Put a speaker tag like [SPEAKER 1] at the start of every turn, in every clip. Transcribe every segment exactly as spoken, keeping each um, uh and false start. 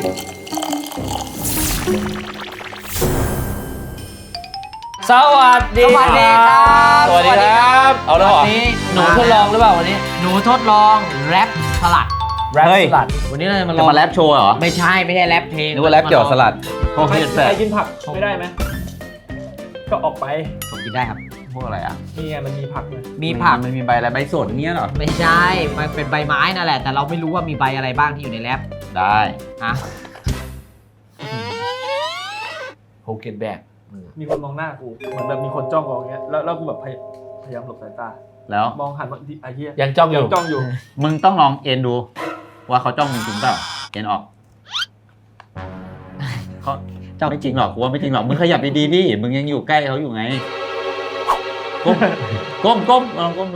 [SPEAKER 1] สวัสดี
[SPEAKER 2] สวัสดีครับ
[SPEAKER 1] สวัสดีครับเอาแล้วเหรอวันนี้หนูทดลองหรือเปล่าวันนี้
[SPEAKER 2] หนูทดลองแรปสลัด
[SPEAKER 1] แรปสลัดวันนี้เราจะมาล
[SPEAKER 3] จะ
[SPEAKER 1] อง
[SPEAKER 3] มาแรปโชว์เหรอ
[SPEAKER 2] ไม่ใช่ไม่ใช่แรปเพลง
[SPEAKER 3] นึกว่าแรปเกี่ยวกับสลัด
[SPEAKER 1] โอเค
[SPEAKER 4] ใคร
[SPEAKER 1] แต่
[SPEAKER 4] ใครกินผักไม่ได้ไหมก็ออกไป
[SPEAKER 2] ผมกินได้ครับ
[SPEAKER 3] พวกอะไรอ่ะ
[SPEAKER 4] นี่ไงมันมีผักเลย
[SPEAKER 2] มีผัก
[SPEAKER 3] มันมีใบอะไรใบสดเงี้ยเหรอ
[SPEAKER 2] ไม่ใช่มันเป็นใบไม้นั่นแหละแต่เราไม่รู้ว่ามีใบอะไรบ้างที่อยู่ในแรป
[SPEAKER 3] ได้
[SPEAKER 2] ฮะ
[SPEAKER 1] โฮเกนแบก
[SPEAKER 4] มีคนมองหน้ากูเหมือนแบบมีคนจ้องกูอย่างเงี้ยแล้วแล้วกูแบบพยพยายามหลบสายตา
[SPEAKER 3] แล้ว
[SPEAKER 4] มองหันมาที่ไอ้เหี้ย
[SPEAKER 1] ยังจ้องอ
[SPEAKER 4] ยั
[SPEAKER 1] ยู่
[SPEAKER 4] งจ้องอยู่
[SPEAKER 3] มึงต้องลองเอ็นดู ว่าเขาจ้องมึงจริงเปล่าเอ็นออกเขาจ้องไม่จริงหรอกกูว่าไม่จริงหรอกมึงขยับดีๆดิมึงยังอยู่ใกล้เขาอยู่ไงก้มก้มก้มลองก้มดู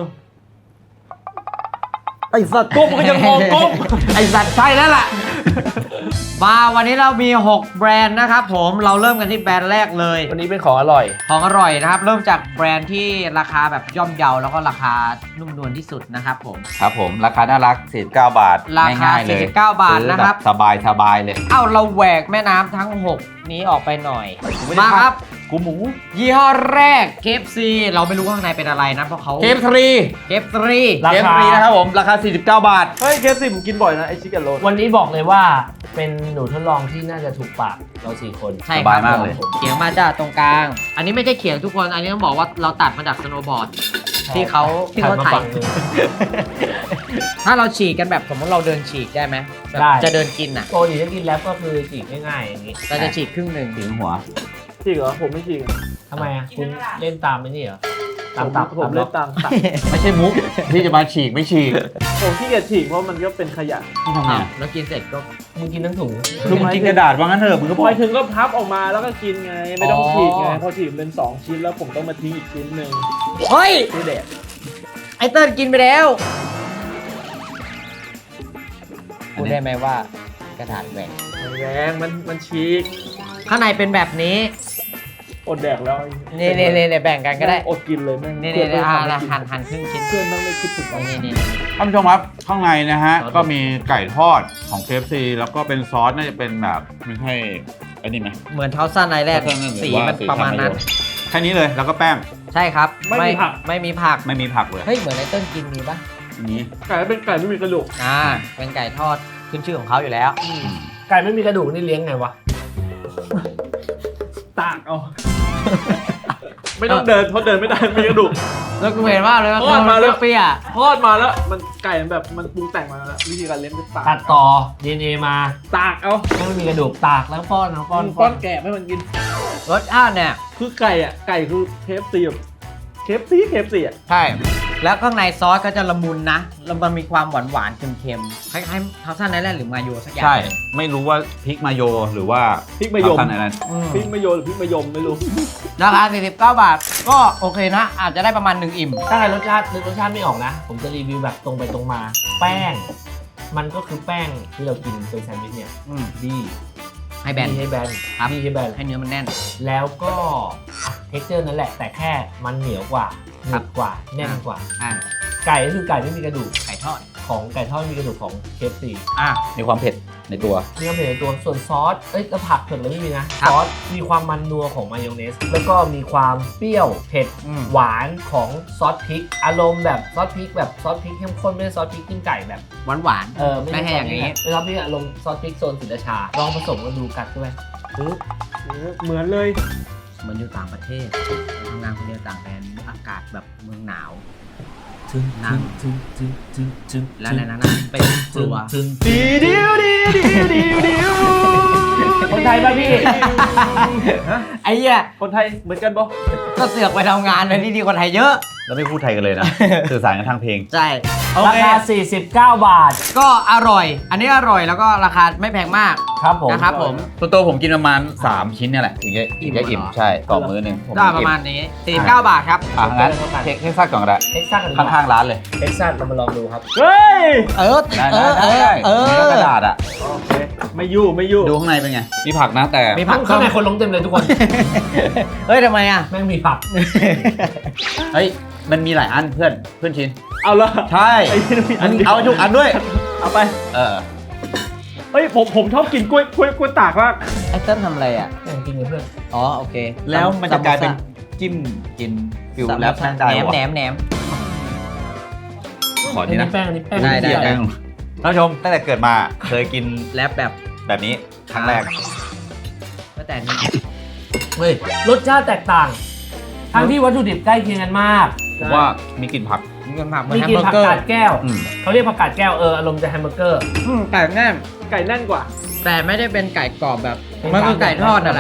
[SPEAKER 3] ไอ้สัตว์ก้มก็ยังมองก้มไอ้สัตว์ใช่แล้วล่ะ
[SPEAKER 2] มาวันนี้เรามีหกแบรนด์นะครับผมเราเริ่มกันที่แบรนด์แรกเลย
[SPEAKER 1] วันนี้เป็นของอร่อย
[SPEAKER 2] ของอร่อยนะครับเริ่มจากแบรนด์ที่ราคาแบบย่อมเยาแล้วก็ราคานุ่มนวลที่สุดนะครับผม
[SPEAKER 3] ครับผมราคาน่ารักสี่สิบเก้าบาท
[SPEAKER 2] ราคา
[SPEAKER 3] ง่ายๆเลย
[SPEAKER 2] สี่สิบเก้าบาท
[SPEAKER 3] ซื้อ
[SPEAKER 2] นะครับ
[SPEAKER 3] สบายสบายเลย
[SPEAKER 2] เอ้าเราแหวกแม่น้ำทั้งหกนี้ออกไปหน่อย มาครับ
[SPEAKER 3] กูหมู
[SPEAKER 2] ยี่ห้อแรก เค เอฟ ซี เราไม่รู้ข้างในเป็นอะไรนะเพราะเขา
[SPEAKER 3] เคฟทรี
[SPEAKER 2] เค เอฟ ซี
[SPEAKER 1] รา
[SPEAKER 3] เคฟ
[SPEAKER 1] คา
[SPEAKER 3] ทรีนะครับผมราคาสี่สิบเก้าบาท
[SPEAKER 4] เฮ้ยเคฟซีผมกินบ่อยนะไอชิคกี้โรล
[SPEAKER 1] วันนี้บอกเลยว่าเป็นหนูทดลองที่น่าจะถูกปากเราสี่คน
[SPEAKER 2] ใช่ครับ
[SPEAKER 3] สบายมากเลย
[SPEAKER 2] ผมเขียงมาจากตรงกลาง อันนี้ไม่ใช่เขียงทุกคน อันนี้ต้องบอกว่าเราตัดมาจากสโนว์บอร์ดที่เขาที่เขา
[SPEAKER 1] หันมา
[SPEAKER 2] ถ่าย
[SPEAKER 1] ฝั่งหนึ่ง
[SPEAKER 2] ถ้าเราฉีกกันแบบสมมติเราเดินฉีกได้ไหมแบบ
[SPEAKER 1] ได้
[SPEAKER 2] จะเดินกินอ่ะ
[SPEAKER 1] โปรดีถ้ากินแรปก็คือจีบง่ายๆอย่างนี้
[SPEAKER 2] เราจะฉีกครึ่งหนึ่ง
[SPEAKER 3] ถึงหัว
[SPEAKER 4] จริงเหรอผมไม่จริง
[SPEAKER 1] ทำไมอ่ะคุณเล่นตามไม่นี่เหรอตามตับ
[SPEAKER 4] ผม
[SPEAKER 1] ตาม
[SPEAKER 4] เล่
[SPEAKER 1] ล็อน ก
[SPEAKER 4] ตามตับ
[SPEAKER 3] ไม่ใช่มุก ที่จะมาฉีกไม่ฉีก
[SPEAKER 4] ผมที่เกียจฉีกเพราะมันก็เป็นขยะ
[SPEAKER 3] ที่ทำไง
[SPEAKER 2] อ้าวแล้วกินเสร็จก็
[SPEAKER 1] มึงกินทั้งถุง
[SPEAKER 3] ลุงกินกระดาษว่างั้นเถอะมึงก็บ
[SPEAKER 4] พ
[SPEAKER 3] อ
[SPEAKER 4] อก ถึงก็พับออกมาแล้วก็กินไงไม่ต้อง
[SPEAKER 2] อ๋อ
[SPEAKER 4] ฉีกไงพอฉีกเป็นสองชิ้นแล้วผมต้องมาทิ้งอีกชิ้นหนึ่ง
[SPEAKER 2] เฮ้ย
[SPEAKER 4] ที่แดด
[SPEAKER 2] ไอเติ้ลกินไปแล้วพูดได้ไหมว่ากระดาษแหวก
[SPEAKER 4] แรงมันมันฉีก
[SPEAKER 2] ข้างในเป็นแบบนี้
[SPEAKER 4] อดแดกแล้ว
[SPEAKER 2] นี่นี่นี่แบ่งกันก็ได้
[SPEAKER 4] อดกินเลยแม่ง
[SPEAKER 2] นี่
[SPEAKER 4] เพื่
[SPEAKER 2] นี่
[SPEAKER 4] อน
[SPEAKER 2] นี่
[SPEAKER 4] ไม่
[SPEAKER 2] อ่า
[SPEAKER 4] ทำให้กิน
[SPEAKER 2] หั่นหั่นครึ่งชิ้น
[SPEAKER 4] เพื่อนต้องไม่คิดถึงเรา
[SPEAKER 2] นี่นี่
[SPEAKER 3] ท่านผู้ชมครับข้างในนะฮะ
[SPEAKER 2] ซอส
[SPEAKER 3] ก็มีไก่ทอดของ เค เอฟ ซี แล้วก็เป็นซอสน่าจะเป็นแบบไม่ใช่อันนี้ไหม
[SPEAKER 2] เหมือนเท้าสั้นในแรก
[SPEAKER 3] เท้าสั้นหรือ
[SPEAKER 2] สี
[SPEAKER 3] ว่า
[SPEAKER 2] มัน
[SPEAKER 3] สี
[SPEAKER 2] ประมาณนั้น
[SPEAKER 3] แค่นี้เลยแล้วก็แป้ง
[SPEAKER 2] ใช่ครับ
[SPEAKER 4] ไม่มีผัก
[SPEAKER 2] ไม่มีผัก
[SPEAKER 3] ไม่มีผักเลย
[SPEAKER 2] เฮ้ยเหมือนไอเติ้ลกินมีปะ
[SPEAKER 3] อันนี้
[SPEAKER 4] ไก่เป็นไก่ไม่มีกระดูก
[SPEAKER 2] อ่าเป็นไก่ทอดขึ้นชื่อของเขาอยู่แล้ว
[SPEAKER 1] ไก่ไม่มีกระดูกนี่เลี้ยงไงวะ
[SPEAKER 4] ตากเอา ไม่ต้องเดินเพราะเดินไม่ได้ไม่มีกระดูก
[SPEAKER 2] แล้วกูเห็นว่าเลยว่า
[SPEAKER 4] ทอดมาแล้ว
[SPEAKER 2] เปรี้ย
[SPEAKER 4] ทอดมาแล้วมันไก่มันแบบมันปรุงแต่งมาแล้ววิธีการเลี้ยงคือตาก
[SPEAKER 1] ตัดต่อ ดี เอ็น เอ มา
[SPEAKER 4] ตากเอา
[SPEAKER 1] ไม่มีกระดูกตากแล้วป้อนเอาป้อน
[SPEAKER 4] ป้อนแกะให้มันกิน
[SPEAKER 2] ๆรสชาติเนี่ย
[SPEAKER 4] คือไก่อ่ะไก่คือเคฟซีแบบเคฟซีเคฟซีอ่ะ
[SPEAKER 2] ใช่ แล้วข้างในซอสก็จะละมุนนะแล้วมันมีความหวานหวานๆเค็มๆคล้ายๆเท้าสั้นในแรกหรือมาโยสักอย่าง
[SPEAKER 3] ใช่ไม่รู้ว่าพริกมาโยหรือว่า
[SPEAKER 4] พริกมะยม
[SPEAKER 3] เท่านั้นนั้น
[SPEAKER 2] อืม
[SPEAKER 4] พริกมะโยหรือพริกมะยมไม่รู้
[SPEAKER 2] ราคาสี่สิบเก้าบาท ก็โอเคนะ อาจจะได้ประมาณหนึ่งอิ่ม
[SPEAKER 1] ถ้าใครรสชาตินึกรสชาติไม่ออกนะ ผมจะรีวิวแบบตรงไปตรงมา แป้ง มันก็คือแป้งที่เรากินเป็นแซนด์วิชเนี่ย
[SPEAKER 2] อืม
[SPEAKER 1] ดี
[SPEAKER 2] ให้แบน
[SPEAKER 1] ดีให้แบน
[SPEAKER 2] ครับ
[SPEAKER 1] ดีให้แบน
[SPEAKER 2] ให้เนื้อมันแน่น
[SPEAKER 1] แล้วก็เท็กเจอร์นั่นแหละ แต่แค่มันเหนียวกว่าห
[SPEAKER 2] ครั
[SPEAKER 1] นึ
[SPEAKER 2] บ
[SPEAKER 1] บกว่าแน่นกว่า
[SPEAKER 2] อ่า
[SPEAKER 1] ไก่ก็คือไก่ไม่มีกระดูก
[SPEAKER 2] ไก่ทอด
[SPEAKER 1] ของไก่ทอดมีกระดูกของ เค เอฟ ซี
[SPEAKER 2] อ่ะ
[SPEAKER 3] มีความเผ็ดในตัว
[SPEAKER 1] มีความเผ็ดในตัวส่วนซอส เอ้ยแล้วผักเผ็ดเลยไม่มีนะ ซอสมีความมันนัวของมายองเนส แล้วก็มีความเปรี้ยวเผ็ด
[SPEAKER 2] อืม
[SPEAKER 1] หวานของซอสพริก อารมณ์แบบซอสพริกแบบซอสพริกเข้มข้นไม่ใช่ซอสพริกจิ้มไก่แบบ
[SPEAKER 2] หวานหวาน
[SPEAKER 1] เออไม่
[SPEAKER 2] ไม่
[SPEAKER 1] ใช่
[SPEAKER 2] ให้อย่างนี้
[SPEAKER 1] นี้เป็นซอสพริกอารมณ์ซอสพริกโซนศรีราชา ลองผสมกันดูกัดด้วยปึ๊บ
[SPEAKER 4] เหมือนเลย
[SPEAKER 2] เหมือนอยู่ต่างประเทศทำงานคนเดียวต่างแดนอากาศแบบเมืองหนาว
[SPEAKER 1] จึง
[SPEAKER 2] นั่ง
[SPEAKER 1] จึงจึงจึงจึง
[SPEAKER 2] แล้วในนั้นนะเป็นครัว
[SPEAKER 1] จึง
[SPEAKER 4] ดีดิวดีดิวดิวดิว
[SPEAKER 1] คนไทยป่ะพี่
[SPEAKER 2] ไอ้เหี้ย
[SPEAKER 4] คนไทยเหมือนกันปะ
[SPEAKER 2] ก็เสือกไปทำงานในที่ดีกว่าไทยเยอะ
[SPEAKER 3] แล้วไม่พูดไทยกันเลยนะ สื่อสารกันทางเพลง
[SPEAKER 2] ใช่ โอ
[SPEAKER 1] รา
[SPEAKER 2] เค
[SPEAKER 1] คาสี่สิบเก้าบาท
[SPEAKER 2] ก็อร่อย อันนี้อร่อยแล้วก็ราคาไม่แพงมาก
[SPEAKER 1] ครับผม
[SPEAKER 2] นะครับผม
[SPEAKER 3] ตัวตัวผมกินประมาณสามชิ้นเนี่ยแหละถึงจะถึงจะอิ่ม
[SPEAKER 2] อิ่มเหรอ
[SPEAKER 3] ใช่ต่อมื้อหนึ่งผม
[SPEAKER 2] ได้ประมาณนี้สี่สิบเก้าบาทครับ
[SPEAKER 3] อ่ะงั้นเทคเทคซัสก่อนก็ได้
[SPEAKER 1] เท็กซัสกันดีกว่า
[SPEAKER 3] ข้างๆร้านเลย
[SPEAKER 1] เท็กซัสเรามาลองดูครับ
[SPEAKER 4] เฮ้ย
[SPEAKER 2] เออ
[SPEAKER 3] ได้
[SPEAKER 2] เอ
[SPEAKER 3] ได้
[SPEAKER 2] อ เอ
[SPEAKER 3] ได้
[SPEAKER 2] อ เอ
[SPEAKER 3] มีกระ
[SPEAKER 2] อ
[SPEAKER 3] ดาษอ่ะ
[SPEAKER 4] โอเคไม่ยู่ไม่ยู่
[SPEAKER 3] ดูข้างในเป็นไง มีผักนะแต่
[SPEAKER 2] มีผัก
[SPEAKER 1] ข้างในคนลงเต็มเลยทุกคน
[SPEAKER 2] เฮ้ยทำไมอ่ะ
[SPEAKER 1] แม่งมีผัก
[SPEAKER 3] เฮ้ยมันมีหลายอันเพื่อนเพื่อนชิ้น
[SPEAKER 4] เอาละ
[SPEAKER 3] ใช่
[SPEAKER 4] ไอ้ที่มีอัน
[SPEAKER 3] มึง
[SPEAKER 4] เดียว
[SPEAKER 3] เอาทุกอันด้วย
[SPEAKER 4] เอาไป
[SPEAKER 3] เออ
[SPEAKER 4] เฮ้ยผมผมชอบกินกล้วยกล้วยกล้วยตากมาก
[SPEAKER 2] ไอ้เติ้ลทำอะไรอ่ะ
[SPEAKER 1] แม่งกินกับเพื่อน
[SPEAKER 2] อ๋อโอเค
[SPEAKER 3] แล้วมันจะกลายเป็นจิ้มกินฟิลแรปได้
[SPEAKER 2] แหนม
[SPEAKER 3] วะ
[SPEAKER 2] แหนมแหนม
[SPEAKER 3] ขอ
[SPEAKER 1] อัน
[SPEAKER 3] ที
[SPEAKER 1] นี้
[SPEAKER 3] นะ
[SPEAKER 1] แป้งอันนี้แป้ง
[SPEAKER 2] ได้ได้
[SPEAKER 3] แป้งท่านผู้ชมตั้งแต่เกิดมาเคยกิน
[SPEAKER 2] แรปแบบ
[SPEAKER 3] แบบนี้ครั้งแรก
[SPEAKER 2] ตั้งแต่นี้
[SPEAKER 1] เฮ้ยรสชาติแตกต่าง ทั้งที่วัตถุดิบใกล้เคียงกันมาก
[SPEAKER 3] ผมว่ามีกลิ่นผัก
[SPEAKER 2] มีคนผักเหมือ
[SPEAKER 1] มี
[SPEAKER 2] นแฮม
[SPEAKER 1] กิน
[SPEAKER 2] เบอร์
[SPEAKER 1] ผัก
[SPEAKER 2] เกอร์
[SPEAKER 1] กาดแก้ว
[SPEAKER 3] อืม
[SPEAKER 1] เขาเรียกผักกาดแก้วเอออารมณ์จะแฮมเบอร์เกอร์
[SPEAKER 2] อืมไก่แน่น
[SPEAKER 4] ไก่แน่นกว่า
[SPEAKER 2] แต่ไม่ได้เป็นไก่กรอบแบบ มันคือไก่ทอดนั่นแหละ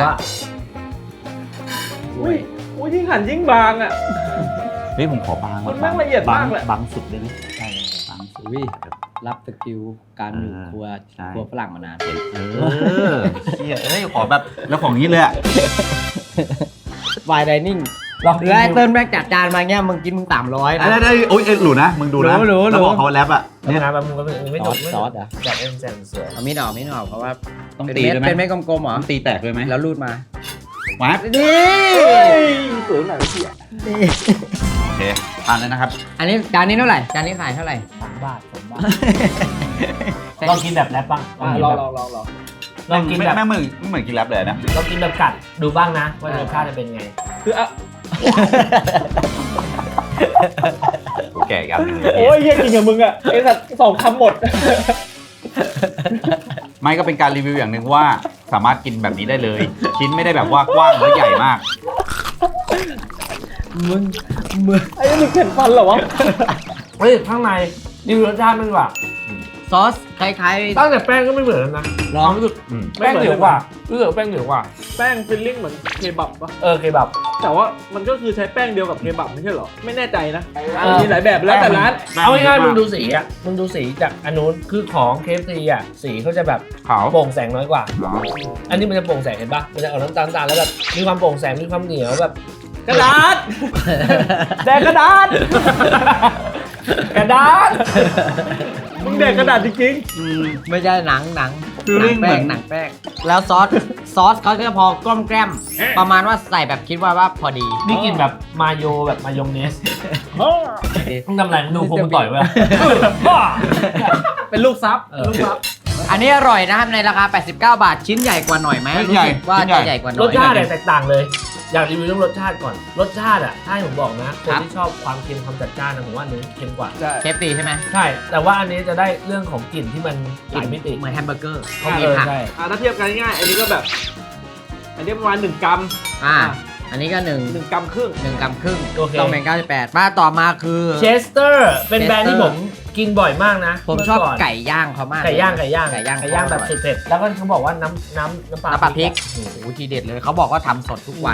[SPEAKER 4] อุ้ยอุ้ยยิ่งหั่นยิ่งบางอ่ะ
[SPEAKER 3] เฮ้ยผมขอบาง
[SPEAKER 4] มันแม่งละเอียดมากเลย
[SPEAKER 3] บางสุดได้ไหมใช่บางสุด
[SPEAKER 2] อุ้ยรับสกิลการอยู่
[SPEAKER 3] อ่า
[SPEAKER 2] ครัว
[SPEAKER 3] ใช่
[SPEAKER 2] ครัวฝรั่งมานาน
[SPEAKER 3] เออเชี่ยเอ้ยขอแบบแล้วของนี้เลยอะ
[SPEAKER 2] วายไดนิ่ง
[SPEAKER 1] ลองกิน
[SPEAKER 2] แล้วไอ้เติ้ลแม่งจัดจานมาเงี้ยมึงกินมึงสามร้อย
[SPEAKER 3] ได้
[SPEAKER 2] นะ
[SPEAKER 3] ได้โอ้ยเอ้ยหลูนะมึงดูนะ
[SPEAKER 2] รู้รู้รู้
[SPEAKER 3] แล้วบอกเขาแรปอะ
[SPEAKER 1] เนี่
[SPEAKER 3] เนี่ย ย
[SPEAKER 1] นะแบบมึงก็ไม่จบ
[SPEAKER 2] ซอสเหรอ
[SPEAKER 1] จัดเอ็นแซนเสือ
[SPEAKER 2] เอามีดออกมีดออกเพราะว่า
[SPEAKER 3] ต้อง
[SPEAKER 2] เป็น
[SPEAKER 3] ตี
[SPEAKER 2] เม็ด
[SPEAKER 3] ด้วยไหม
[SPEAKER 2] เป็นเม็ดกลมๆเหรอ
[SPEAKER 3] ต้องตีแตกด้วยไหม
[SPEAKER 2] แล้วรูดมา
[SPEAKER 3] วัด
[SPEAKER 2] นี่
[SPEAKER 4] เฮ้ยสวยหน่อยพี่อ่ะ
[SPEAKER 3] โอเคทานเลยนะครับ
[SPEAKER 2] อันนี้จานนี้เท่าไหร่จานนี้ขายเท่าไหร่
[SPEAKER 1] สามบาทสามบาทลองกินแบบแรปบ้าง
[SPEAKER 4] อ่ะลองลองลองลอง
[SPEAKER 1] ลองกินแบบ
[SPEAKER 3] แม่งเหมือนไม่เหมือนกินแรปเลยนะ
[SPEAKER 1] ลองกินแบบกัดดูบ้างนะ ว่ารสชาติจะเป็นไง
[SPEAKER 4] คืออ่ะ
[SPEAKER 3] แก่กัน
[SPEAKER 4] โอ้ยเฮียกินกับมึงอ่ะไอ้สัตว์สองคำหมด
[SPEAKER 3] ไม่ก็เป็นการรีวิวอย่างหนึ่งว่าสามารถกินแบบนี้ได้เลย ชิ้นไม่ได้แบบว่ากว้างและใหญ่มาก
[SPEAKER 2] มึงมึง
[SPEAKER 4] ไอ้นี่มึงเข็นฟันเหรอวะ
[SPEAKER 1] เฮ้ยข้างในดีรสชาติมันว่า
[SPEAKER 2] ซอสคล้าย
[SPEAKER 1] ตั้งแต่แป้งก็ไม่เหมือนกันนะ
[SPEAKER 2] ๆลอง
[SPEAKER 1] รู้สึก
[SPEAKER 3] อืม
[SPEAKER 1] แป้งเหนียวกว่ารู้สึกว่าแป้งเหนียวกว่า
[SPEAKER 4] แป้งฟิลลิ่งเหมือนเคบับปะ
[SPEAKER 1] เออเคบับ
[SPEAKER 4] แต่ว่ามันก็คือใช้แป้งเดียวกับเคบับไม่ใช่เหรอ ไม่แน่ใจนะ
[SPEAKER 1] เออ
[SPEAKER 4] มีหลายแบบแล้วแต่ร้าน
[SPEAKER 1] เอาง่ายๆมึงดูสีอ่ะมึงดูสีจากอันนู้นคือของเคฟซีอ่ะสีเขาจะแบบ
[SPEAKER 3] ขาว
[SPEAKER 1] โปร่งแสงน้อยกว่า
[SPEAKER 3] อ๋อ
[SPEAKER 1] อันนี้มันจะโปร่งแสงเห็นปะมันจะออกน้ำตาลตาลแล้วแบบมีความโปร่งแสงมีความเหนียวแบบ
[SPEAKER 4] กระดาษ แดกกระดาษ
[SPEAKER 1] กระดาษ
[SPEAKER 4] มึงแดกกระดาษจริง
[SPEAKER 3] อืม
[SPEAKER 2] ไม่ใช่หนังหนัง
[SPEAKER 3] ฟีลลิ่ง
[SPEAKER 2] หนัแป้ง
[SPEAKER 3] เหมือน
[SPEAKER 2] หนังแป้งแล้วซอสซอสเขาจะพอกล้อมแกล้มประมาณว่าใส่แบบคิดว่าว่าพอดี
[SPEAKER 1] นี่กินแบบมาโยแบบมายองเนส
[SPEAKER 4] ๆ
[SPEAKER 1] มึงทำอะไรมึงดูพวกมันต่อยไว้อะ
[SPEAKER 4] เป็นลูกซับ
[SPEAKER 1] เออ
[SPEAKER 4] ลูกซับ
[SPEAKER 2] อันนี้อร่อยนะครับในราคาแปดสิบเก้าบาทชิ้นใหญ่กว่าหน่อยไหม
[SPEAKER 3] ชิ้นใหญ่
[SPEAKER 2] รู้สึกว่า
[SPEAKER 3] ชิ้นใหญ่
[SPEAKER 2] จะใหญ่กว่าหน่
[SPEAKER 1] ร
[SPEAKER 2] อ
[SPEAKER 1] ส
[SPEAKER 2] ย
[SPEAKER 1] ชาติเนี่ยแตกต่างเลย อยากรีวิวเรื่องรสชาติก่อน รสชาติอ่ะถ้าให้ผมบอกนะ คน
[SPEAKER 2] ครับ
[SPEAKER 1] ที่ชอบความเค็มความจัดจ้านนะผมว่าอันนี้เค็มกว่า
[SPEAKER 4] ใช่
[SPEAKER 2] เคฟตีใช่ไหม
[SPEAKER 1] ใช่ แต่ว่าอันนี้จะได้เรื่องของกลิ่นที่มันหลายมิติ
[SPEAKER 2] เหมือนแฮมเบอร์เกอร์เขา
[SPEAKER 1] เอ
[SPEAKER 2] มี
[SPEAKER 1] อ
[SPEAKER 2] ผัก
[SPEAKER 1] ใช่
[SPEAKER 4] อ่ะถ้าเทียบกันง่ายๆอันนี้ก็แบบ อันนี้ประมาณหนึ่งกรัม
[SPEAKER 2] อ่าอันนี้ก็หนึ่ง
[SPEAKER 4] หนึ่งกรัมครึ่ง
[SPEAKER 2] หนึ่งกรัมครึ่ง
[SPEAKER 1] โอเค
[SPEAKER 2] ต้องเป็นเก้าสิบแปดมาต่อมาคือ
[SPEAKER 1] เชสเตอร์เป็นแบรนด์ที่
[SPEAKER 2] Chester
[SPEAKER 1] ผมกินบ่อยมากนะ
[SPEAKER 2] ผมชอบ
[SPEAKER 1] เก่น
[SPEAKER 2] ไก่ย่างเขามาก
[SPEAKER 1] ไก่ย่างไก่ย่าง
[SPEAKER 2] ไก่ย่าง
[SPEAKER 1] ไก่ย่างแบบสุดเผ็ดแล้วก็เขาบอกว่าน้ำน้ำน้ำปลา
[SPEAKER 2] น้ำปลาพริก
[SPEAKER 1] อะ
[SPEAKER 2] โอ้โหทีเด็ดเลยเขาบอกว่าทำสดทุกวัน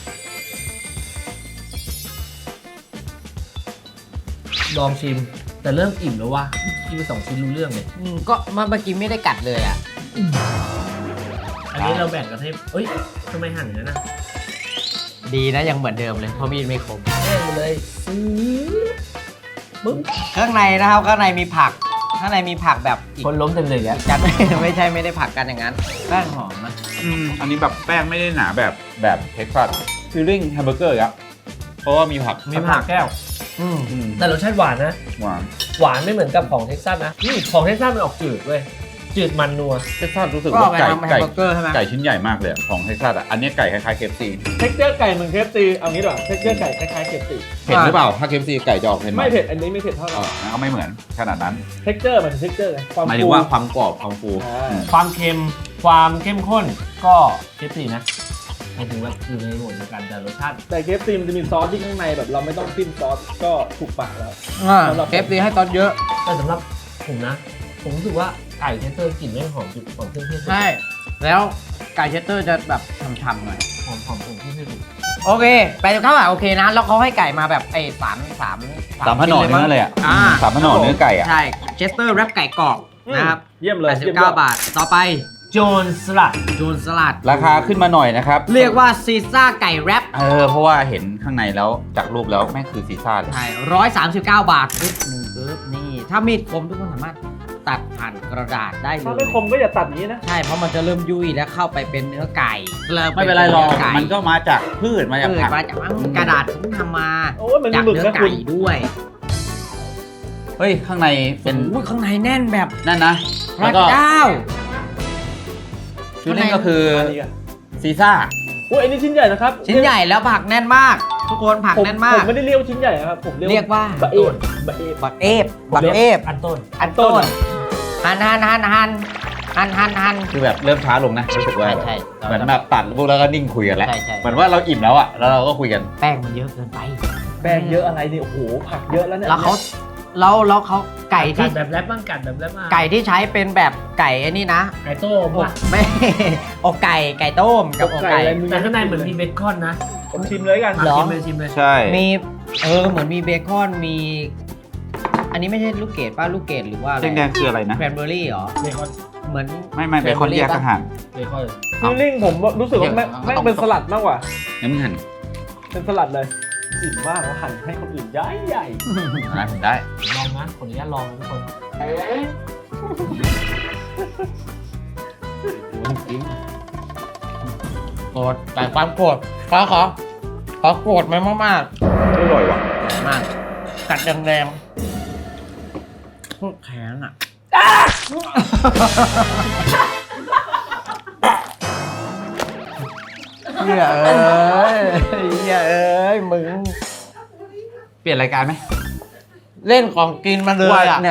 [SPEAKER 1] ลองชิม แต่เริ่มอิ่มแล้วว่ะกินไปสองชิ้นรู้เรื่องเลย
[SPEAKER 2] อืมก็เมื่อกี้ไม่ได้กัดเลยอ่ะ
[SPEAKER 1] อันนี้เราแบ่งกันให้เอ้ยทำไมหั่นอย่างนั้นนะ
[SPEAKER 2] ดีนะยังเหมือนเดิมเลยเพราะมีดไม่คม
[SPEAKER 1] แบ่งไปเลยซื้อปึ๊บ
[SPEAKER 2] ข้างในนะครับข้างในมีผัก ข้างในมีผักแบบอีก
[SPEAKER 1] คนล้มเต็มเลยอ่ะ
[SPEAKER 2] จัด ไม่ใช่ไม่ได้ผักกันอย่างนั้นแป้งหอมนะ
[SPEAKER 3] อืมอันนี้แบบแป้งไม่ได้หนาแบบแบบเท็กซัสฟีลลิ่งแฮมเบอร์เกอร์ครับเพราะว่ามีผัก
[SPEAKER 1] มีผักแก้ว
[SPEAKER 2] อืม
[SPEAKER 3] อืม
[SPEAKER 1] แต่รสชาติหวานนะ
[SPEAKER 3] หวาน
[SPEAKER 1] หวานไม่เหมือนกับของเท็กซัสนะนี่ของเท็กซัสมันออกจืดเว้ย จืดมันนัว
[SPEAKER 3] เท็กซัสรู้สึก
[SPEAKER 2] ก็
[SPEAKER 3] ว่า
[SPEAKER 2] ไป
[SPEAKER 3] ไก่
[SPEAKER 2] ทำแฮม
[SPEAKER 3] ไก่
[SPEAKER 2] เบอร์เกอร์ใช่ไหม
[SPEAKER 3] ไก่ชิ้นใหญ่มากเลยอะของเท็กซัสอ่ะอันนี้ไก่คล้ายๆเคฟซี
[SPEAKER 4] เท็กเจอร์ไก่เหมือนเคฟซีเอางี้ดีกว่าเท็กเจอร์ไก่คล้ายๆเคฟซี
[SPEAKER 3] เผ็ดหรือเปล่าถ้าเคฟซีไก่จะออกเผ็ดหน่
[SPEAKER 4] ไม่
[SPEAKER 3] อย
[SPEAKER 4] เผ็ดอันนี้ไม่เผ็ดเท่าไห
[SPEAKER 3] เอ
[SPEAKER 4] ร่
[SPEAKER 3] องั้นก็ไม่เหมือนขนาดนั้น
[SPEAKER 4] เท็กเจอร์มันเท็กเจอร์ไงความ
[SPEAKER 3] หมายถึ
[SPEAKER 4] ฟู
[SPEAKER 3] งว่าความกรอบความฟู
[SPEAKER 4] อ่า
[SPEAKER 1] ความเค็ม ความเข้มข้นก็เท็กซี่นะหมายถึงว่าอยู่ในหมวดเดียวกันแต่รสชาติ
[SPEAKER 4] แต่เคฟซีมันจะมีซอสที่ข้างในแบบเราไม่ต้องจิ้มซอสก็ถูกปากแล้ว
[SPEAKER 2] อ่า
[SPEAKER 4] สำหรับ
[SPEAKER 2] เคฟซีให้ตอนเยอะ
[SPEAKER 1] แต่สำหรับผมนะ ผมรู้สึกว่าไก่เทสเตอร์กลิ่นไม่หอมจุดหอมเครื่องเทศ
[SPEAKER 2] ใช่ แล้วไก่เชสเตอร์จะแบบฉ่ำๆหน่อย
[SPEAKER 1] หอมหอมเครื่องเทศ
[SPEAKER 2] โอเคไปจุดข้าวโอเคนะ แล้วเขาให้ไก่มาแบบไอ้สามสาม
[SPEAKER 3] สามพนอ
[SPEAKER 2] ชิ้
[SPEAKER 3] เนื้อเลยอ่ะ
[SPEAKER 2] อ่า
[SPEAKER 3] สามพนอเนื้อไก่อ่ะ
[SPEAKER 2] ใช่เชสเตอร์แรปไก่กรอบนะครับ
[SPEAKER 4] เยี่ยมเลย
[SPEAKER 2] แปดสิบ
[SPEAKER 4] ยี่ยม
[SPEAKER 2] เก้าย
[SPEAKER 4] อด
[SPEAKER 2] บาท ต่อไป
[SPEAKER 1] โจนสลัด
[SPEAKER 2] จูนสลัด
[SPEAKER 3] ราคาขึ้นมาหน่อยนะครับ
[SPEAKER 2] เรียกว่าซีซ่าไก่แรป
[SPEAKER 3] เออเพราะว่าเห็นข้างในแล้วจากรูปแล้วแม่งคือซีซ่าเลย
[SPEAKER 2] ใช่ร้อยสามสิบเก้าบาทปึ๊บหนึ่งปึ๊บนี่ ถ้ามีดคมทุกคนสามารถตัดผ่านกระดาษได้เล
[SPEAKER 4] ถ้าย ไม่คมก็อย่าตัดอย่างนี้นะ
[SPEAKER 2] ใช่ เพราะมันจะเริ่มยุ่ยแล้วเข้าไปเป็นเนื้อไก่ริ่
[SPEAKER 3] ไม่เป็นไรหรอก
[SPEAKER 2] ไก่
[SPEAKER 3] มันก็มาจากพืชมาจาก
[SPEAKER 2] เกิด
[SPEAKER 3] ผัก
[SPEAKER 2] มาจากกระดาษเพิ่งทำมา
[SPEAKER 4] โอ้ยมันมี
[SPEAKER 2] จาก
[SPEAKER 4] หมึก
[SPEAKER 2] เนื้อ
[SPEAKER 4] นะคุ
[SPEAKER 2] ไก่
[SPEAKER 4] ณ
[SPEAKER 2] ด้วย
[SPEAKER 3] เฮ้ยข้างในเป็น
[SPEAKER 2] โอ้ยข้างในแน่นแบบ
[SPEAKER 3] นั่นนะ
[SPEAKER 2] พ
[SPEAKER 3] แล้ว
[SPEAKER 2] ระ
[SPEAKER 3] ก็
[SPEAKER 2] เจ้า
[SPEAKER 3] ฟิลลิ่งก็คือ
[SPEAKER 4] อันนี้อะ
[SPEAKER 3] ซีซ่า
[SPEAKER 4] โอ้ยอันนี้ชิ้นใหญ่นะครับ
[SPEAKER 2] ชิ้นใหญ่แล้วผักแน่นมาก ทุกคนผัก
[SPEAKER 4] ผม
[SPEAKER 2] แน่นมา
[SPEAKER 4] ผ
[SPEAKER 2] ก
[SPEAKER 4] มไม่ได้เรียกว่าชิ้นใหญ่นะครับผม
[SPEAKER 2] เรียกว่า
[SPEAKER 4] บะเอบะเอบ
[SPEAKER 2] บักเอฟบักเอฟ
[SPEAKER 1] อันต้น
[SPEAKER 2] อันต้นหันหันหันหันหันหันหัน
[SPEAKER 3] คือแบบเริ่มช้าลงนะรู้สึกว่า
[SPEAKER 2] ใช่ใช่
[SPEAKER 3] เหมือนแบบตัดพวกแล้วก็นิ่งคุยกันแล้ว
[SPEAKER 2] ใช่ใช่
[SPEAKER 3] เหมือนว่าเราอิ่มแล้วอ่ะแล้วเราก็คุยกัน
[SPEAKER 2] แป้งมันเยอะเกินไป
[SPEAKER 4] แป้งเยอะอะไรเนี่ยโอ้โหผักเยอะแล้วเนี่ย
[SPEAKER 2] แล้วเขาแล้วแล้วเขาไก่
[SPEAKER 1] กั
[SPEAKER 2] ที่
[SPEAKER 1] ดแบบแรปบ้างกัดแบบแรปบ้าง
[SPEAKER 2] ไก่ที่ใช้เป็นแบบไก่ไอ้นี่นะ
[SPEAKER 1] ไก่โต้มป่ะ
[SPEAKER 2] ไม่ อกไก่ไก่ต้มกับอกไก่
[SPEAKER 4] อะไรมึง
[SPEAKER 1] แต่ข้างในเหมือนมีเบคอนนะ
[SPEAKER 4] ผมชิมเลยกัน
[SPEAKER 2] หรอ
[SPEAKER 1] ชิมเลยชิมเลย
[SPEAKER 3] ใช่
[SPEAKER 2] มีเออเหมือนมีเบคอนมี อันนี้ไม่ใช่ลูกเกดป้าลูกเกดหรือว่าอะไร
[SPEAKER 3] แดงๆคืออะไรนะ
[SPEAKER 2] แครนเบอร์รี่เหรอ
[SPEAKER 1] เบคอน
[SPEAKER 2] เหมือน
[SPEAKER 3] ไม่ไม่เป็นคนแยกอาหาร
[SPEAKER 1] เบคอน
[SPEAKER 4] ฟิลลิ่งผมรู้สึกว่าแม่ง
[SPEAKER 3] เอา
[SPEAKER 4] แม่งเป็นสลัดมากกว่า
[SPEAKER 3] งั้นมึงหั่น
[SPEAKER 4] เป็นสลัดเลยอิ่มมากแล้วหั่นให้คนอื่นใหญ่ใหญ่
[SPEAKER 3] นะผมได้
[SPEAKER 1] ลองนะขออนุญาตลองนะทุกคน
[SPEAKER 2] โกรธแต่ความโกรธขอขอขอโกรธมันมาก
[SPEAKER 3] อร่อยว่ะ
[SPEAKER 2] ๆมากกัดแรงๆโคตรแข็งอ่ะเฮียเอ้ยเฮียเอ้ยมึง
[SPEAKER 3] เปลี่ยนรายการไหม
[SPEAKER 2] เล่นของกินมาเลย
[SPEAKER 3] ว่า
[SPEAKER 2] อ่ะ
[SPEAKER 3] เนี่ย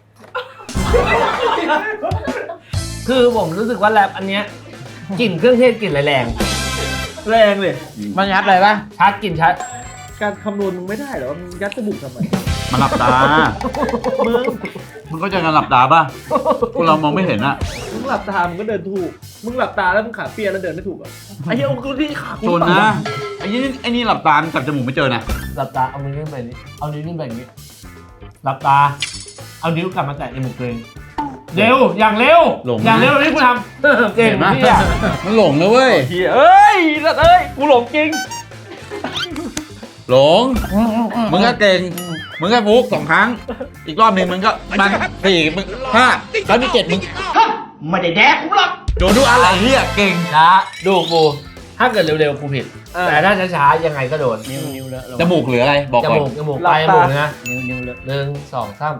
[SPEAKER 1] คือผมรู้สึกว่าแรปอันเนี้ยกลิ่นเครื่องเทศกลิ่นแรง
[SPEAKER 4] แรงเลย
[SPEAKER 2] มันยัดเลยปะ
[SPEAKER 1] ๆชัดกลิ่นชัด
[SPEAKER 4] การคำนวณมึงไม่ได้เหรอมึงยัดจมูกทำไม
[SPEAKER 3] มันหลับตา
[SPEAKER 4] มึง
[SPEAKER 3] มึงก็จะกันหลับตาป่ะพวกเรามองไม่เห็นอ่ะ
[SPEAKER 4] มึงหลับตามึงก็เดินถูกมึงหลับตาแล้วมึงขาเปียแล้วเดินไม่ถูกเหรอไอ้เหี้ยเอากูที่ขา
[SPEAKER 3] ชนนะไอ้นี่ไอ้นี่หลับตาจับจมูกไม่เจอนะ
[SPEAKER 1] หลับตาเอามือขึ้นไปนี้เอานิ้วขึ้นไปอย่างนี้หลับตา เอานิ้วกลับมาแตะจมูกตัวเองเร็วอย่างเร็วอย่างเร็วนี่กูทำเออเก่ง
[SPEAKER 3] เห็นไหม
[SPEAKER 1] พี่อะ
[SPEAKER 3] มันหลงนะเว้ย
[SPEAKER 4] เหี้ยเอ้ยสัตว์เอ้ยกูหลงจริง
[SPEAKER 3] หลง มึงก็เก่ง มึงก็ฟุกสองครั้ง อีกรอบหนึ่งมึงก็มันสี่มึงห้าแล้วมีเจ็ดมึง
[SPEAKER 2] ไม่ได้แดกกูหรอก
[SPEAKER 3] โดนทุกอะไรเฮียเก่ง
[SPEAKER 1] ช้าดูกูถ้าเกิดเร็วๆกูผิด
[SPEAKER 4] เออ
[SPEAKER 1] แต่ถ้าช้าๆยังไงก็โดน
[SPEAKER 2] นิ้วนิ้วเลอะ
[SPEAKER 3] จมูกเหลืออะไร บอก
[SPEAKER 1] จ
[SPEAKER 3] ก่อน
[SPEAKER 1] มูกจมูก
[SPEAKER 4] หลั
[SPEAKER 1] ป
[SPEAKER 4] บ
[SPEAKER 1] ลายจ
[SPEAKER 4] ตา
[SPEAKER 1] มูกนะ
[SPEAKER 2] นิ้วนิ้วเลอะ
[SPEAKER 1] หนึ่งสองสาม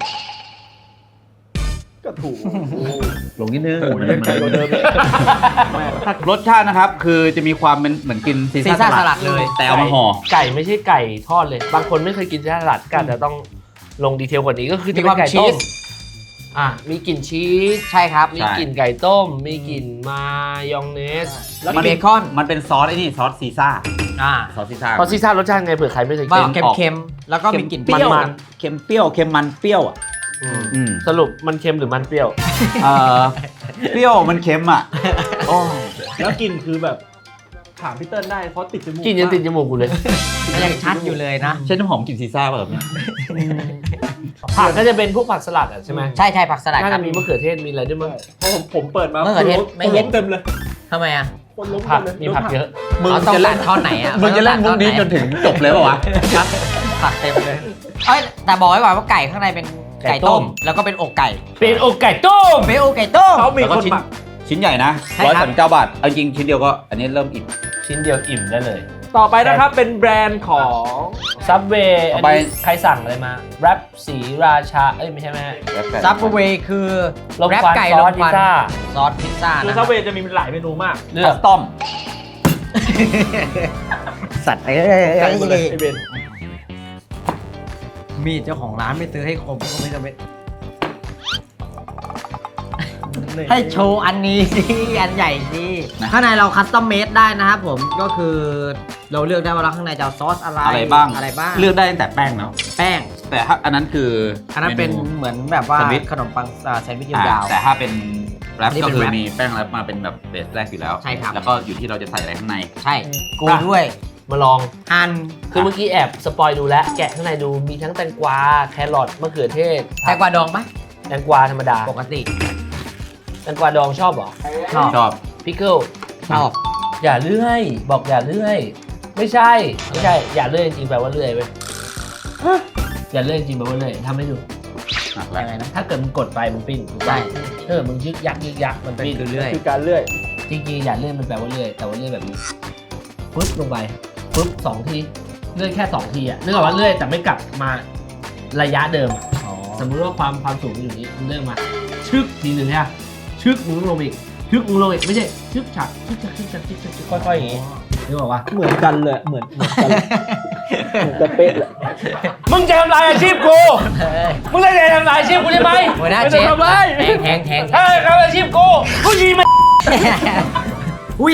[SPEAKER 4] ก็ถูก
[SPEAKER 3] หลงนิดนึง
[SPEAKER 4] โอ้ยยังไกลกว่าเดิมอีกแม่ถ้าร
[SPEAKER 3] สชาตินะครับ คือจะมีความเป็นเหมือนกินซี
[SPEAKER 2] ซี
[SPEAKER 3] ซ่า
[SPEAKER 2] ซ่า
[SPEAKER 3] ส
[SPEAKER 2] ส
[SPEAKER 3] ลั
[SPEAKER 2] ลั
[SPEAKER 3] ด
[SPEAKER 2] ดเลย
[SPEAKER 3] แต่เอามาห่อ
[SPEAKER 1] ไก่ไม่ใช่ไก่ทอดเลย บางคนไม่เคยกินสลัดก็อาจจะต้องลงดีเทลกว่านี้ก็คือจะเป็นไก่ต้มอ่ะมีกลิ่นชีส
[SPEAKER 2] ใช่ครับ
[SPEAKER 1] มีกลิ่นไก่ต้ม มีกลิ่นมายองเนส
[SPEAKER 2] แล้วเบคอน
[SPEAKER 3] มันเป็นซอสไอ้นี่ซอสซีซ่า
[SPEAKER 2] อ่า
[SPEAKER 3] ซอสซีซ่า
[SPEAKER 1] พอซีซ่ารสชาติไงเผื่อใครไม่เคย
[SPEAKER 2] ว่า
[SPEAKER 1] กิน
[SPEAKER 2] เค็มๆแล้วก็มีกลิ่น
[SPEAKER 3] เปรี้ยว
[SPEAKER 2] มัน
[SPEAKER 3] เค็มเปรี้ยวเค็มมันเปรี้ยวอ่ะ
[SPEAKER 1] อืม
[SPEAKER 3] อืม
[SPEAKER 1] สรุปมันเค็มหรือมันเปรี้ยว
[SPEAKER 3] เอ่อเปรี้ยวมันเค็มอ่ะโอ้
[SPEAKER 4] แล้วกลินคือแบบถามพี่เติ้ลได้เพราะติดจมูก
[SPEAKER 1] กินยังติดจมูกกูเลย
[SPEAKER 2] ๆยังชัดอยู่เลยนะ
[SPEAKER 3] ใช่น้ำหอมกลิ่นซีซ่าป่ะแบบนี้
[SPEAKER 1] ผักก็จะเป็นพวกผักสลัดอ่ะใช่ไหม
[SPEAKER 2] ใช่ใช่ผักสลัด
[SPEAKER 1] น่า
[SPEAKER 2] ครั
[SPEAKER 1] จะ
[SPEAKER 2] บ
[SPEAKER 1] มีมะเขือเทศมีอะไรด้วยมั้ง
[SPEAKER 4] เพราะผมผมเปิดมา
[SPEAKER 2] เมื่อก่อนเทศไม่
[SPEAKER 4] คน
[SPEAKER 2] เห็
[SPEAKER 4] ล้
[SPEAKER 2] น
[SPEAKER 4] มเต็มเลย
[SPEAKER 2] ทำไมอ่ะ
[SPEAKER 4] คนล้ม
[SPEAKER 1] ผัก
[SPEAKER 4] เต็มเลย
[SPEAKER 1] มีผักเยอะ
[SPEAKER 3] มึง
[SPEAKER 2] เขาต้อง
[SPEAKER 3] จะ
[SPEAKER 2] ตั
[SPEAKER 3] เล่
[SPEAKER 2] ด
[SPEAKER 3] น
[SPEAKER 2] ท่อนไหนอ่ะ
[SPEAKER 3] มึงจะเล่นมุกนี้จนถึงจบเลยป่ะวะ
[SPEAKER 2] ผักเต็มเลยเอ้ยแต่บอกไว้ก่อนว่าไก่ข้างในเป็นไก่ต้ม แล้วก็เป็นอกไก่
[SPEAKER 1] เป็นอกไก่ต้ม
[SPEAKER 2] เป็นอกไก่ต้ม
[SPEAKER 4] เขามี
[SPEAKER 3] แล้วก็
[SPEAKER 4] คน
[SPEAKER 3] ชิ้น
[SPEAKER 4] หมัก
[SPEAKER 3] ชิ้นใหญ่นะ
[SPEAKER 2] ใช่
[SPEAKER 3] ร้อย
[SPEAKER 2] ครับ
[SPEAKER 3] สามสิบเก้าบาทเอาจริงชิ้นเดียวก็อันนี้เริ่มอิ่ม
[SPEAKER 1] ชิ้นเดียวอิ่มได้เลย
[SPEAKER 4] ต่อไปนะครับเป็นแบรนด์ของ
[SPEAKER 1] ซับเวย์
[SPEAKER 3] ต่
[SPEAKER 1] อั
[SPEAKER 3] อน ไป
[SPEAKER 1] นี้ใครสั่งอะไรมาแรปสีราชา เอ้ยไม่ใช่แม่
[SPEAKER 2] ซับเวย์คือ
[SPEAKER 1] ลม
[SPEAKER 2] แรป
[SPEAKER 1] ควัน
[SPEAKER 2] ไก่
[SPEAKER 1] ซ
[SPEAKER 2] ล
[SPEAKER 1] อ
[SPEAKER 2] ม
[SPEAKER 1] ส
[SPEAKER 2] ควัน
[SPEAKER 1] พิซซ่า
[SPEAKER 2] ซอสพิซซ่า
[SPEAKER 4] คือ
[SPEAKER 2] นะ
[SPEAKER 4] ซับเวย์จะมีหลายเมนูมาก
[SPEAKER 1] เลื
[SPEAKER 3] คั
[SPEAKER 1] อก
[SPEAKER 3] สตอม
[SPEAKER 2] สัตว์เอ้
[SPEAKER 4] ไก่หมดเลย
[SPEAKER 2] ย
[SPEAKER 4] ไอเบน
[SPEAKER 2] มีดเจ้าของร้านไม่ซื้อให้คมก็ไม่จำเป็นให้โชว์อันนี้สิ อันใหญ่สิข้างในเราคัสตอมเมดได้นะครับผมก็คือเราเลือกได้ว่าเราข้างในจะเอาซอสอะไร
[SPEAKER 3] อะไรบ้าง
[SPEAKER 2] อะไรบ้าง
[SPEAKER 3] เลือกได้ตั้งแต่แป้งเนาะ
[SPEAKER 2] แป้ง
[SPEAKER 3] แต่ถ้าอันนั้นคือ
[SPEAKER 2] อันนั้นเป็น
[SPEAKER 3] ม
[SPEAKER 2] เหมือนแบบว่า
[SPEAKER 3] แซนด์วิช
[SPEAKER 2] ขนมปังอ่าแซนด์วิช
[SPEAKER 3] อ่าย
[SPEAKER 2] าว
[SPEAKER 3] แต่ถ้าเป็นแรป
[SPEAKER 2] อันนี้
[SPEAKER 3] ก็
[SPEAKER 2] เป็น
[SPEAKER 3] คือ
[SPEAKER 2] แรป
[SPEAKER 3] มีแป้งแรปมาเป็นแบบเบสแรกอยู่แล้ว
[SPEAKER 2] ใช่ครับ
[SPEAKER 3] แล้วก็อยู่ที่เราจะใส่อะไรข้างใน
[SPEAKER 2] ๆใช่กูด้วย
[SPEAKER 1] มาลอง
[SPEAKER 2] อัน
[SPEAKER 1] คือเมื่อกี้แอบสปอยดูแล้ว แกะข้างในดูมีทั้งแตงกวา แครอทมะเขือเทศ
[SPEAKER 2] แตงกวาดองปะ
[SPEAKER 1] แตงกวาธรรมดา
[SPEAKER 2] ปกติ
[SPEAKER 1] แตงกวาดองชอบเหรอ
[SPEAKER 2] ชอบ
[SPEAKER 3] ชอบ
[SPEAKER 1] พิกเกิล
[SPEAKER 2] ชอบ
[SPEAKER 1] อย่าเลื่อย บอกอย่าเลื่อย ไม่ใช่ ไม่ใช่ อย่าเลื่อยจริงๆแปลว่าเลื่อยเว้ยอย่าเลื่อยจริงๆแปลว่าเลื่อยทำให้ดู
[SPEAKER 3] หนักแล้ว
[SPEAKER 2] ยังไงนะ
[SPEAKER 1] ถ้าเกิดมึงกดไปมึงปิ้นถูกปะ
[SPEAKER 2] ใช่
[SPEAKER 1] เออมึงยึกยักยึกยักมันปิ้น
[SPEAKER 2] คือเรื่อย
[SPEAKER 4] คือการเลื่อย
[SPEAKER 1] จริงๆอย่าเลื่อยมันแปลว่าเลื่อยแต่ว่าเลื่อยแบบนี้ปึ๊บลงไปปึ๊บสองทีเลื่อยแค่สองทีอะนึกออกว่าเลื่อยแต่ไม่กลับมาระยะเดิมอะ
[SPEAKER 2] อ๋อ
[SPEAKER 1] สมมุติว่าความความสูงมันอยู่นี้มึงเลื่อยมาชึกทีหนึ่งฮะชึกมึงลงมาอีกชึกมึงลงอีกไม่ใช่ชึกฉักชึกฉักชึกฉักชึกฉักชึกค่อยๆอย่างงี้นึกออกปะ
[SPEAKER 4] เหมือนกันเลยเหมือนเหมือนกันเหมือนกันเป๊ะเลย
[SPEAKER 1] มึงจะทำลายอาชีพกู มึงเลยจะทำลายอาชีพกูใช่ไหม
[SPEAKER 2] หัวหน้า
[SPEAKER 1] ไม่
[SPEAKER 2] เช
[SPEAKER 1] ต้อง
[SPEAKER 2] ฟ
[SPEAKER 1] ทำลาย
[SPEAKER 2] แทงแทงแทง
[SPEAKER 1] ถ้าทำอาชีพกูกูยิงมัน
[SPEAKER 2] อุ้ย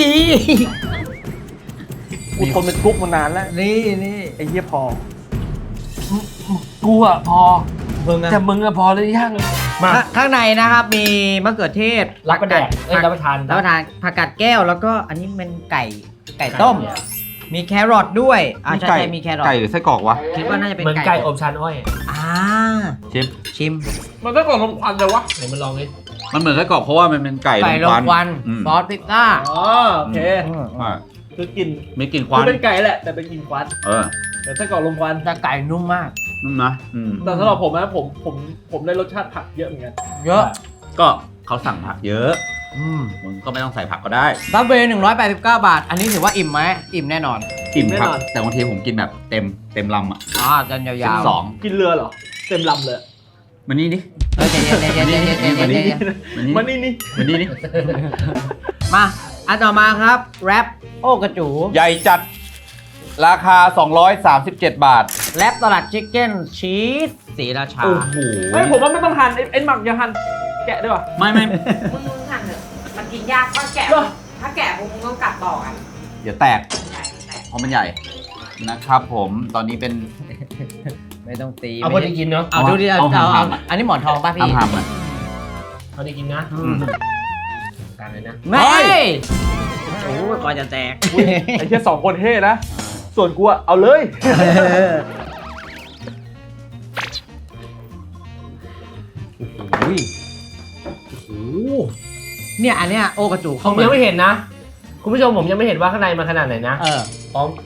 [SPEAKER 4] กูทนเป็นกุ๊กมานานแล้ว
[SPEAKER 2] นี่นี่
[SPEAKER 4] ไอ้เหี้ยพอ
[SPEAKER 1] กูอะพอ
[SPEAKER 2] มึงอะ
[SPEAKER 1] แต่มึงอะพอหรือยังมา
[SPEAKER 2] ข้าข้างในนะครับมีมะเขือเทศ
[SPEAKER 1] รับประแดกเอ้ยรับประทาน
[SPEAKER 2] รับประทานผักกาดแก้วแล้วก็อันนี้เป็นไก่ไก่ต้ม มีแครอทด้วยอ่าใช่ใช่มีแครอท
[SPEAKER 3] ไก่หรือไส้กรอกวะ
[SPEAKER 2] คิดว่าน่าจะเป็น
[SPEAKER 1] เหมือนไก่อบชานอ้อย
[SPEAKER 2] อ่า
[SPEAKER 3] ชิม
[SPEAKER 2] ชิม
[SPEAKER 4] มันก็ก่อนลมควันเลยวะ
[SPEAKER 1] ไหนมาลองดิ
[SPEAKER 3] มันเหมือนไส้กรอกเพราะว่ามันเป็นไก่
[SPEAKER 2] ไก่ลงควัน
[SPEAKER 3] อืม
[SPEAKER 2] ซอสพิซซ่า
[SPEAKER 4] อ๋อโอเค
[SPEAKER 3] อ่า
[SPEAKER 4] คือกิน
[SPEAKER 3] ไม่กลินค
[SPEAKER 4] คื
[SPEAKER 3] วั
[SPEAKER 4] อน เป็นไก่แหละแต่เป็นกินควัน
[SPEAKER 3] เออ
[SPEAKER 4] แต่ไส้กรอกลมควัน
[SPEAKER 2] แต่ไก่นุ่มมาก
[SPEAKER 3] นุ่มนะอืม
[SPEAKER 4] แต่สำหรับผมนะผมผมผมได้รสชาติผักเยอะเหมือนกัน
[SPEAKER 2] เยอะ
[SPEAKER 3] ก็เขาสั่งผักเยอะ
[SPEAKER 2] อืม
[SPEAKER 3] มึงก็ไม่ต้องใส่ผักก็ได้
[SPEAKER 2] ซับเวย์หนึ่งร้อยแปดสิบเก้าบาท อันนี้ถือว่าอิ่มไหมอิ่มแน่นอน
[SPEAKER 3] กินครับแต่บางทีผมกินแบบเต็มเต็มลำอ่ะ
[SPEAKER 2] อ่าจันยาวๆ
[SPEAKER 3] สอง
[SPEAKER 4] กินเรือเหรอเต็มลำเลย
[SPEAKER 3] มันนี่ดิ
[SPEAKER 2] เฮ้ยใจเย็นใจเย็นใจเย็นใจเย็นใจเย็น
[SPEAKER 3] มันนี่
[SPEAKER 4] มานี่นี่
[SPEAKER 3] มันนี่ดิ
[SPEAKER 2] มาอันต่อมาครับแรปโอ้กระจู
[SPEAKER 3] ใหญ่จัดราคา สองร้อยสามสิบเจ็ด บาท
[SPEAKER 2] แรปตลาดชิคเก้นชีสสีราชา
[SPEAKER 3] โอ้โห
[SPEAKER 4] เฮ้ยผมว่าไม่ต้องหั่นไอ้ไอ้หมักอย่าหั่นแกะด้วยป่ะ
[SPEAKER 3] ไม่ไม่
[SPEAKER 5] มึงมึงหั่นเถอะมันกินยากถ้าแกะ
[SPEAKER 4] เหรอ
[SPEAKER 5] ถ้าแกะมึงต้องกัดต่อกัน
[SPEAKER 3] เดี๋ยวแตก
[SPEAKER 5] ใหญ่แต่
[SPEAKER 3] เพราะมันใหญ่นะครับผมตอนนี้เป็น
[SPEAKER 2] ไม่ต้องตี
[SPEAKER 1] เอาพอดีกินเนาะ
[SPEAKER 2] เอาดูดิเอา
[SPEAKER 3] เอา
[SPEAKER 2] เอา
[SPEAKER 3] หา
[SPEAKER 2] เอา
[SPEAKER 3] มๆอะ
[SPEAKER 2] อันนี้หมอนทองป่ะพี่
[SPEAKER 3] ทำทำอ่ะ
[SPEAKER 1] พอดีกินนะ
[SPEAKER 3] อืม
[SPEAKER 1] การเลยนะ
[SPEAKER 2] ไม่
[SPEAKER 3] เฮ้ย
[SPEAKER 2] โอ้ยก่อนจะแตก
[SPEAKER 4] อุ๊ยไอ้เหี้ยสองคนเท่นะ ส่วนกูอะเอาเลย
[SPEAKER 2] อุ้ยโอ้เนี่ยอันเนี้ยโอกระจู
[SPEAKER 1] ผ
[SPEAKER 2] เข้าม มา
[SPEAKER 1] ยังไม่เห็นนะ คุณผู้ชมผมยังไม่เห็นว่าข้างในมันขนาดไหนนะ
[SPEAKER 2] เออ
[SPEAKER 1] พร้อม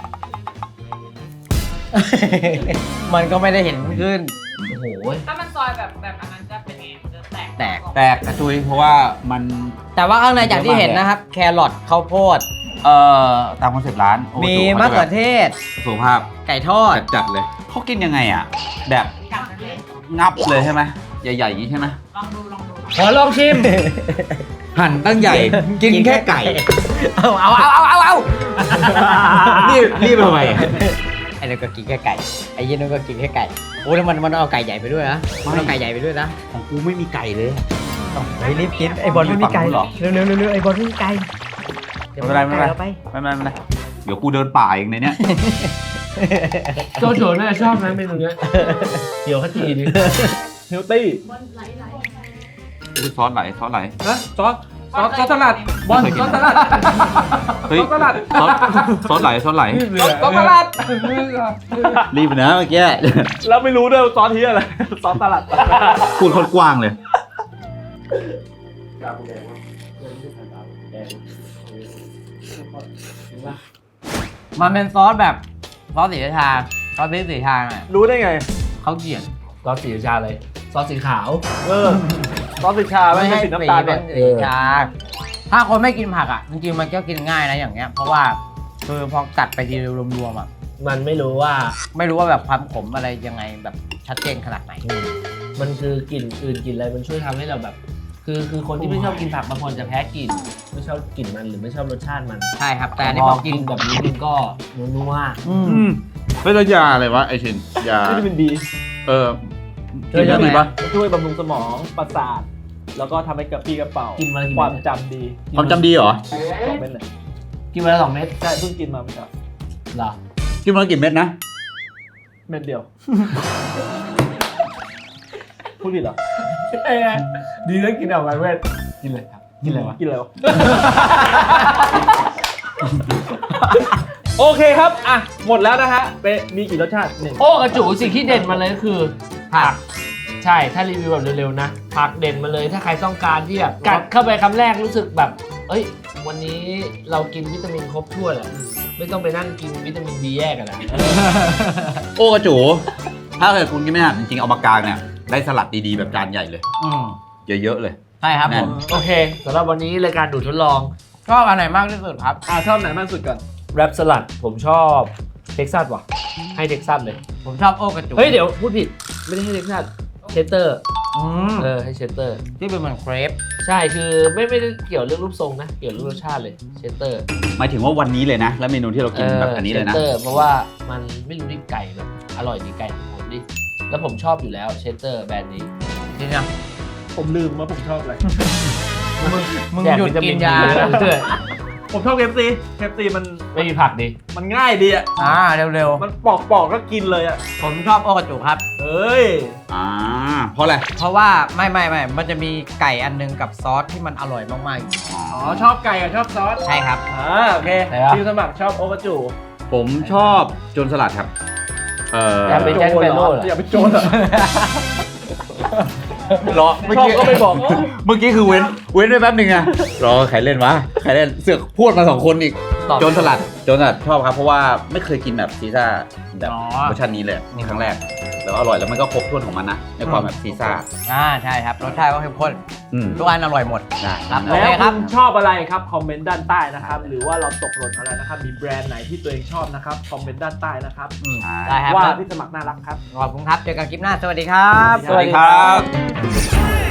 [SPEAKER 2] มันก็ไม่ได้เห็นขึ้น
[SPEAKER 1] โอ้โห
[SPEAKER 5] ถ้ามันซอยแบบแบบอันนั้นจะเป็นไงมันจะแตก
[SPEAKER 2] แตก
[SPEAKER 3] แตกกระจุยเพราะว่ามัน
[SPEAKER 2] แต่ว่าข้างในอย่างที่เห็นนะครับ แครอทข้าวโพด
[SPEAKER 3] เอ่อตามคอนเซ็ปต์ร้านโอ้โห
[SPEAKER 2] มีมะเขือเทศ
[SPEAKER 3] สุขภาพ
[SPEAKER 2] ไก่ทอด
[SPEAKER 3] จัดๆเลยเขากินยังไงอ่ะ แบบ
[SPEAKER 5] กัดนั่นเลย
[SPEAKER 3] งับเลยใช่ไหมใหญ่ๆอย่างนี้ใช่ไหม
[SPEAKER 5] ลองดูลองดู
[SPEAKER 1] ขอลองชิม
[SPEAKER 3] หั่นตั้งใหญ่ กินแค่ไก่
[SPEAKER 2] เอาเอาเอาเอาเอาเอา
[SPEAKER 3] รีบรีบทำไมอ่ะ
[SPEAKER 2] ไอ้นั่นก็กินแค่ไก่ ไอ้ยี่นั่นก็กินแค่ไก่ โอ้แล้วมันมันเอาไก่ใหญ่ไปด้วยนะมันเอาไก่ใหญ่ไปด้วยนะ
[SPEAKER 3] ของกูไม่มีไก่เลย
[SPEAKER 2] ไอ้รีบกินไอ้บอลไม่มีไก่
[SPEAKER 3] ฝั่งนู้นเหรอ
[SPEAKER 2] เร็วเร็วเร็วเร็วไอ้บอลไม่มีไก่
[SPEAKER 3] ไม่เป็นไรไม่เป็นไร
[SPEAKER 2] ดี๋ยว
[SPEAKER 3] ไม่เป็นไรไม่เป็นไรเดี๋ยวกูเดินป่าเองในเนี้ย
[SPEAKER 1] โจโฉน่าจะชอบนะเมนูเนี้ยเดี๋ยวเขาจีดิ
[SPEAKER 4] เฮลตี้
[SPEAKER 3] อุ๊ยซอสไหลซอสไหล
[SPEAKER 4] นะซอสซอสซอสสลัดบอลซอสสลัด
[SPEAKER 3] เฮ้ย
[SPEAKER 4] ซอสสลัด
[SPEAKER 3] ซอสซอสไหลซอสไหล
[SPEAKER 4] ซอสซอสสลัด
[SPEAKER 3] รีบไปนะเมื่อกี้
[SPEAKER 4] แล้วไม่รู้ด้วยว่าซอสที่อะไรซอสสลัด
[SPEAKER 3] พูดคนกว้างเลย
[SPEAKER 2] มันเป็นซอสแบบซอสสีราชาซอสพริกสีชาน่ะ
[SPEAKER 4] รู้ได้ไง
[SPEAKER 2] เขาเขียน
[SPEAKER 1] ซอสสีชาเลย ซอสสีขาว
[SPEAKER 4] เออซอสสีชาไม่ใช่สีน้ำตาล
[SPEAKER 2] เป็
[SPEAKER 4] เนี่ย
[SPEAKER 2] นสีชา ถ้าคนไม่กินผักอ่ะจริงๆมันก็กินง่ายนะอย่างเงี้ย เพราะว่าคือพอกัดไปทีรวมๆอ่ะ
[SPEAKER 1] มันไม่รู้ว่า
[SPEAKER 2] ไม่รู้ว่าแบบความขมอะไรยังไงแบบชัดเจนขนาดไหน
[SPEAKER 1] มันคือกลิ่นอื่นกลิ่นอะไรมันช่วยทำให้เราแบบ คือคือคนที่ไม่ชอบกินผักบางคนจะแพ้กลิ่นไม่ชอบกลิ่นมันหรือไม่ชอบรสชาติมัน
[SPEAKER 2] ใช่ครับ แต่อันนี้
[SPEAKER 1] พ
[SPEAKER 2] พ
[SPEAKER 1] อ
[SPEAKER 2] อ
[SPEAKER 1] กิ
[SPEAKER 2] กิ
[SPEAKER 1] น
[SPEAKER 2] น
[SPEAKER 1] แบบนี้มันก็นัว
[SPEAKER 2] อืม
[SPEAKER 3] อืมเป็นยาอะไรวะไอชินยา
[SPEAKER 4] วิตามินบี
[SPEAKER 3] เออกินแล้วดีปะ
[SPEAKER 4] มันช่วยบำรุงสมองประสาท แล้วก็ทำให้กระปรี้กระเป๋า
[SPEAKER 1] ๆกินมาละกี่
[SPEAKER 4] ความ
[SPEAKER 1] เม็ด
[SPEAKER 4] จำดี
[SPEAKER 3] ความจำดีเหรอ
[SPEAKER 4] สองเม็ดเลย
[SPEAKER 1] กินมาละสองเม็ด
[SPEAKER 4] ใช่เพิ่งกินมาเมื่อเช้า
[SPEAKER 1] เหรอ
[SPEAKER 3] กินมาแล้วกี่เม็ดนะ
[SPEAKER 4] เม็ดเดียว พูดผิดเหรอ
[SPEAKER 1] ดีแล้วกินออกมาเว้ยกินเลยครับกินอะไรวะ
[SPEAKER 4] กินอะไรวะ โอเคครับ อ่ะ หมดแล้วนะฮะเปมีกี่รสชาติหนึ่ง
[SPEAKER 1] โอ้กระจูสิ่งที่เด่นมาเลยก็คือผักใช่ถ้ารีวิวแบบเร็วๆนะผักเด่นมาเลยถ้าใครต้องการที่แบบกัดเข้าไปคำแรกรู้สึกแบบ เอ้ย วันนี้เรากินวิตามินครบถ้วนแหละไม่ต้องไปนั่งกินวิตามินดีแยกกันนะ
[SPEAKER 3] โอ้กระจูถ้าเกิดคุณกินไม่หันจริงๆเอามากลางเนี่ยได้สลัดดีๆแบบจานใหญ่เลย
[SPEAKER 2] อืม
[SPEAKER 3] เยอะๆเลย
[SPEAKER 2] ใช่ครับ
[SPEAKER 3] แน่
[SPEAKER 2] ผ
[SPEAKER 3] น
[SPEAKER 2] ม
[SPEAKER 1] โอเคสำหรับวันนี้รายการดูดทดลอง
[SPEAKER 2] ชอบอันไหนมากที่สุดครับ
[SPEAKER 4] อ่ะชอบไหนมากสุดก่อน
[SPEAKER 1] แรปสลัดผมชอบเท็กซัสว่ะให้เท็กซัสเลย
[SPEAKER 2] ผมชอบโอกระจู
[SPEAKER 1] เฮ้ยเดี๋ยวพูดผิดไม่ได้ให้เท็กซัสเชสเตอร์
[SPEAKER 2] ออืม
[SPEAKER 1] เออให้เชสเตอร์
[SPEAKER 2] ที่เป็นเหมือนเครป
[SPEAKER 1] ใช่คือไม่ไม่ได้เกี่ยวเรื่องรูปทรงนะ เกี่ยวเรื่องรสชาติเลยเชสเตอร์
[SPEAKER 3] หมายถึงว่าวันนี้เลยนะ แล้วเมนูที่เรากินแบบอันนี้เลยนะ
[SPEAKER 1] เชสเตอร์เพราะว่ามันไม่รู้ดิไก่แบบอร่อยดีไก่ผมดิแล้วผมชอบอยู่แล้วเชสเตอร์แบรนด์นี้
[SPEAKER 2] จริงอ่ะ
[SPEAKER 4] ผมลืมว่าผมชอบอะไร
[SPEAKER 2] มึง
[SPEAKER 1] แจ
[SPEAKER 2] หยุด
[SPEAKER 1] วิตา
[SPEAKER 2] กิ
[SPEAKER 1] มิ
[SPEAKER 2] นยา
[SPEAKER 1] เพื่อน
[SPEAKER 4] ผมชอบเคฟซีเคฟซีมัน
[SPEAKER 1] ไม่มีผักดิ
[SPEAKER 4] มันง่ายดีอ่ะ
[SPEAKER 2] อ่าเร็ว
[SPEAKER 4] มันปอกปอกๆก็กินเลยอ่ะ
[SPEAKER 2] ๆ ผมชอบโอกาจูครับ
[SPEAKER 4] เอ้ย
[SPEAKER 3] อ่า เพราะอะไร
[SPEAKER 2] เพราะว่าไม่ไม่ไม่มันจะมีไก่อันนึงกับซอสที่มันอร่อยมากๆอยู่
[SPEAKER 3] อ๋อ
[SPEAKER 4] อ๋อชอบไก่กับชอบซอส
[SPEAKER 2] ใช่ครับ
[SPEAKER 4] อ่าโอเคทีมสมัครชอบโอกาจู
[SPEAKER 3] ผมชอบโจนสลัดครับ เอ่อ
[SPEAKER 1] อยากเป็นแจ็คเปโร่เหรอ
[SPEAKER 4] อย่าไปโจรเหรอ
[SPEAKER 3] รอเมื่อ
[SPEAKER 4] ชอบ
[SPEAKER 3] กี้
[SPEAKER 4] ก็ไม่บอก
[SPEAKER 3] เมื่อกี้คือเว้น เว้นไปแป๊บหนึ่งอะรอใครเล่นวะ ใครเล่น เสือกพูดมาสองคนอีก
[SPEAKER 1] ตอบ
[SPEAKER 3] โจนสลัด โจนสลัดชอบครับ เพราะว่าไม่เคยกินแบบซีซ่าแบบ
[SPEAKER 2] อ๋อ
[SPEAKER 3] เวอร์ชันนี้เลยนี่ครั้งแรก แล้วอร่อยแล้วมันก็ครบถ้วนของมันนะ ในความแบบซีซ่า
[SPEAKER 2] อ่าใช่ครับรสชาติก็เข้มข้น
[SPEAKER 3] อืม
[SPEAKER 2] ทุกอันอร่อยหมด
[SPEAKER 3] ได้
[SPEAKER 2] ครับ
[SPEAKER 3] นั่น
[SPEAKER 2] โอ
[SPEAKER 3] แห
[SPEAKER 2] เค
[SPEAKER 3] ละ
[SPEAKER 4] แล้ว
[SPEAKER 2] ครั
[SPEAKER 4] คุ
[SPEAKER 2] บ
[SPEAKER 4] ณชอบอะไรครับคอมเมนต์ด้านใต้นะครับหรือว่าเราตกหล่นอะไรนะครับมีแบรนด์ไหนที่ตัวเองชอบนะครับคอมเมนต์ด้านใต้นะครับ
[SPEAKER 2] อืม
[SPEAKER 3] ใช่
[SPEAKER 2] ได้ครับ
[SPEAKER 4] ว่าพี่สมัครน่ารักครับ
[SPEAKER 2] ขอบคุณครับเจอกันคลิปหน้าสวัสดีครับ
[SPEAKER 3] สวัสดีครับ